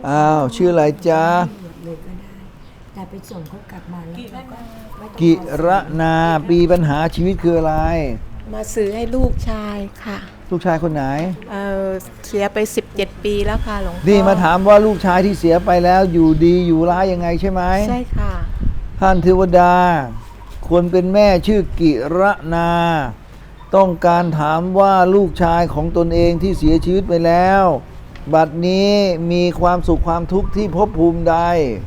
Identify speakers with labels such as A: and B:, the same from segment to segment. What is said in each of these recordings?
A: อ้าวชื่ออะไรจ๊ะ
B: เลยก็ได้แต่ไปส่งเขากลับมาแล้วเราก็ไม่ต้อง
A: กิรนาปีปัญหาชีวิตคืออะไร
C: มาซื้อให้ลูกชายค่ะ
A: ลูกชายคนไหน
C: เสียไป17 ปีแล้วค่ะหลวงพ่อ
A: นี่มาถามว่าลูกชายที่เสียไปแล้วอยู่ดีอยู่ร้ายยังไงใช่ไหม
C: ใช่ค่ะ
A: ท่านเทวดาคนเป็นแม่ชื่อกิรนา ต้องการถามว่าลูกชายของตนเองที่เสียชีวิตไปแล้ว บัดนี้มีความสุขความทุกข์ที่ภพภูมิใด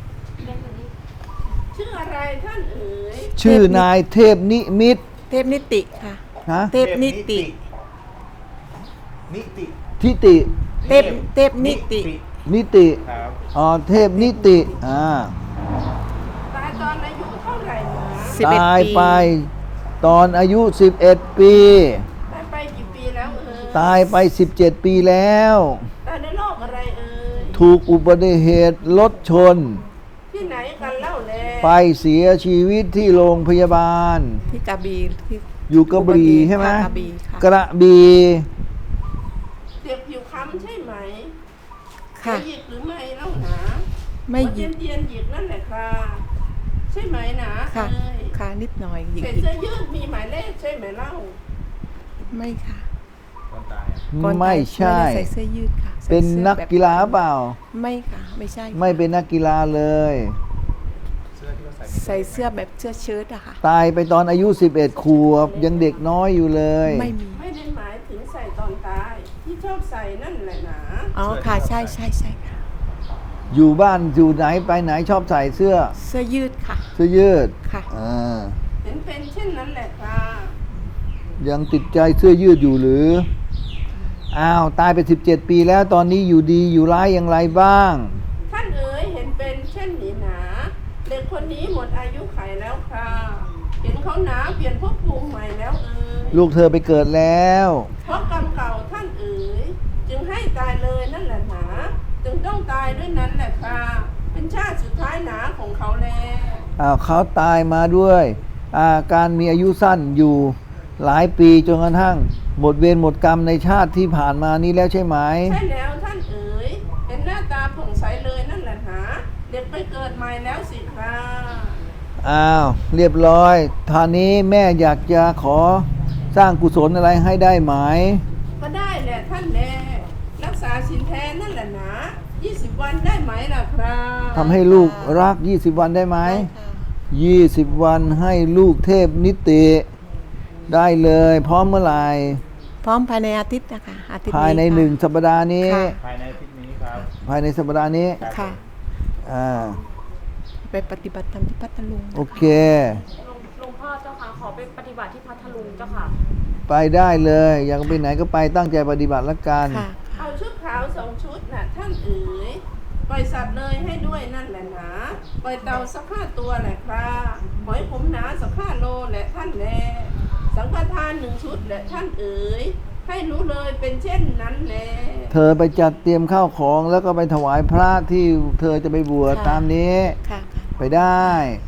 D: ชื่ออะไรท่านเอ๋ย
A: ชื่อนายเทพนิมิตร
C: เทพนิติค่ะ
A: นะ
C: เทพนิติ
E: นิติ
A: ทิติ
C: เทพนิติ
A: นิติ
E: ครับ
A: อ๋อเทพนิติ
D: ตายตอนอายุเท่าไหร่หนะ
A: ตาย
C: ปี
A: ไปตอนอายุ 11 ปี
D: ตายไปกี่ปีแล้วเอ๋ย
A: ตายไป 17 ปีแล้ว
D: ตายในโรคอะไรเอ๋ย
A: ถูกอุบัติเหตุรถชน
D: ที่ไหนกันเล่าแล
A: ไปเสียชีวิตที่โรงพยาบาล
C: ที่กระบี่ที่
A: อยู่กระบี่ใช่ไหม
C: กระบี่ค่ะ
A: กระบี่
D: เสียบผิวค้ำใช่ไหม
C: ค่ะ
D: หยิกหรือไม่เล่าหนา
C: ไม่หยิก
D: เย็นหยิกนั่นแหละค่ะใช่ไหมหนา
C: ค่ะ
D: เอ๋ย
C: ค่ะนิดหน่อยหยิก
D: ใส่เสื้อยืดมีหมายเลขใช่ไหมเล่า
C: ไม่ค่ะ
E: คนตาย
C: ก่อน
A: ไม่
C: ตาย
A: ใช่
C: ไม่ได้ใส่เสื้อยืดค่ะใส่
A: เป็น
C: สื้อ
A: นัก
C: แบบ
A: กีฬาเปล่า
C: ไม่ค่ะ ไม่ใช่
A: ไม่เป็นนักกีฬาเลย
E: เสื้อที่เขาใส่
C: ใส่เสื้อแบบเสื้อเชิ้ตอะค่ะ
A: ตายไปตอนอายุ 11 ขวบ ยังเด็กน้อยอยู่เลย
C: ไม่มี
D: ไม่ได้หมายถึงใส่ตอนตายที่ชอบใส่นั่นแหละหนา
C: อ๋อค่ะใช่ใช่ใช่ค่ะ
A: อยู่บ้านอยู่ไหนไปไหนชอบใส่เสื้อ
C: เสื้อยืดค่ะ
A: เสื้อยืด
C: ค่ะ
A: อ่า
D: เห็นเป็นเช่นนั้นแหละค่ะ
A: ยังติดใจเสื้อยืดอยู่หรือ อ้าว ตายไป 17 ปีแล้วตอนนี้อยู่ดีอยู่ร้ายอย่างไรบ้าง
D: ท่านเอ๋ยเห็นเป็นเช่นนี้หนาเด็กคนนี้หมดอายุไขแล้วค่ะเห็นเขาหนาเปลี่ยนภพภูมิใหม่แล้วเอ๋ย
A: ลูกเธอไปเกิดแล้ว
D: เพราะกรรมเก่าท่านเอ๋ยจึงให้ตายเลยนั่นแหละหนาจึงต้องตายด้วยนั้นแหละค่ะเป็นชาติสุดท้ายหนาของเขาแล
A: อ้าวเขาตายมาด้วยการมีอายุสั้นอยู่หลายปีจนกระทั่งหมดเวรหมดกรรมในชาติที่ผ่านมานี้แล้วใช่ไหม
D: ใช่แล้วท่านเอ๋ยเห็นหน้าตาผ่องใสเลยนั่นแหละหนาเด็กไปเกิดใหม่แล้วสิค่ะ
A: อ้าว เรียบร้อยท่านี้แม่อยากจะขอสร้างกุศลอะไรให้ได้ไหม
D: ก็ได้แหละท่านแลรักษาศีลแท้นั่นแหละหนา20 วันได้ไหมล่ะครับ
A: ทำให้ลูกรัก 20 วันได้ไหม
C: ได้ค่ะ
A: 20 วันให้ลูกเทพนิติ ได้เลย พร้อมเมื่อไหร่
C: พร้อมภายในอาทิตย์นะคะอาทิตย์
A: ภายใน
C: ค่ะ
A: 1 สัปดาห์นี้
C: ค่ะ
E: ภายในอาทิตย์นี้ครับ
A: ภายในสัปดาห์นี้
C: ค่ะ
A: อ่า
C: ไปปฏิบัติธรรมที่พัทลุง
A: โอเค
F: หลวงพ่อเจ้าค่ะขอไปปฏิบัติที่พัทลุงเจ้าค่ะ
A: ไปได้เลย อยากไปไหนก็ไปตั้งใจปฏิบัติละกัน
C: ค่ะ
D: เอาชุดขาว2 ชุดน่ะท่านเอ๋ยปล่อยสัตว์เลยให้ด้วยนั่นแหละหนาปล่อยเต่าสัก5 ตัวแหละครับหอยขมหนาสัก5 โลแหละท่านแลสังฆทาน1 ชุดแหละท่านเอ๋ยให้รู้เลยเป็นเช่นนั้นแล
A: เธอไปจัดเตรียมข้าวของแล้วก็ไปถวายพระที่เธอจะไปบวช
C: ค่ะ
A: ตามนี้
C: ค่ะ
A: ไปได้
C: ค